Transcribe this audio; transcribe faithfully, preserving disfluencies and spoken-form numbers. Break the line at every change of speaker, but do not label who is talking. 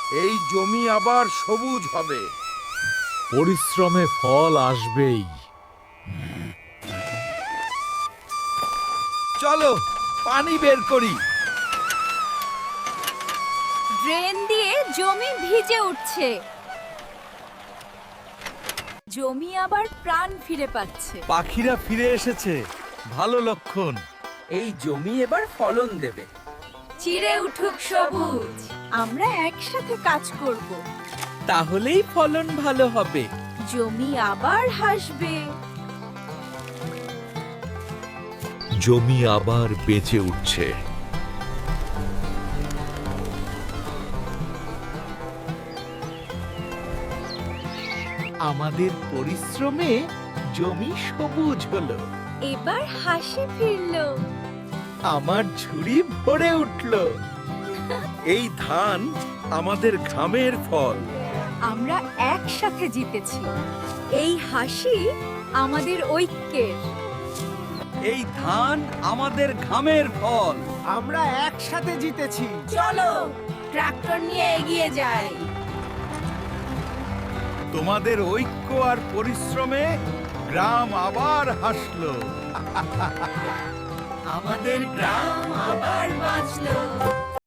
এই জমি আবার সবুজ হবে।
পরিশ্রমে ফল আসবেই।
চলো পানি বের করি।
ড্রেন দিয়ে জমি ভিজে উঠছে। জমি আবার প্রাণ ফিরে পাচ্ছে।
পাখিরা ফিরে এসেছে, ভালো লক্ষণ।
এই জমি এবার ফলন দেবে।
চিরে উঠুক সবুজ, আমরা একসাথে কাজ করব।
তাহলেই ফলন ভালো হবে।
জমি আবার হাসবে।
জমি আবার বেঁচে উঠছে।
আমাদের পরিশ্রমে জমি সবুজ হলো।
এবার হাসি ফিরলো।
আমার ঝুড়ি ভরে উঠলো।
এই ধান আমাদের ঘামের ফল।
আমরা একসাথে জিতেছি। এই হাসি আমাদের ঐক্যের।
এই ধান আমাদের ঘামের ফল।
আমরা একসাথে জিতেছি।
চলো ট্রাক্টর নিয়ে এগিয়ে যাই।
তোমাদের ঐক্য আর পরিশ্রমে গ্রাম আবার হাসলো।
আমাদের গ্রাম আবার বাঁচলো।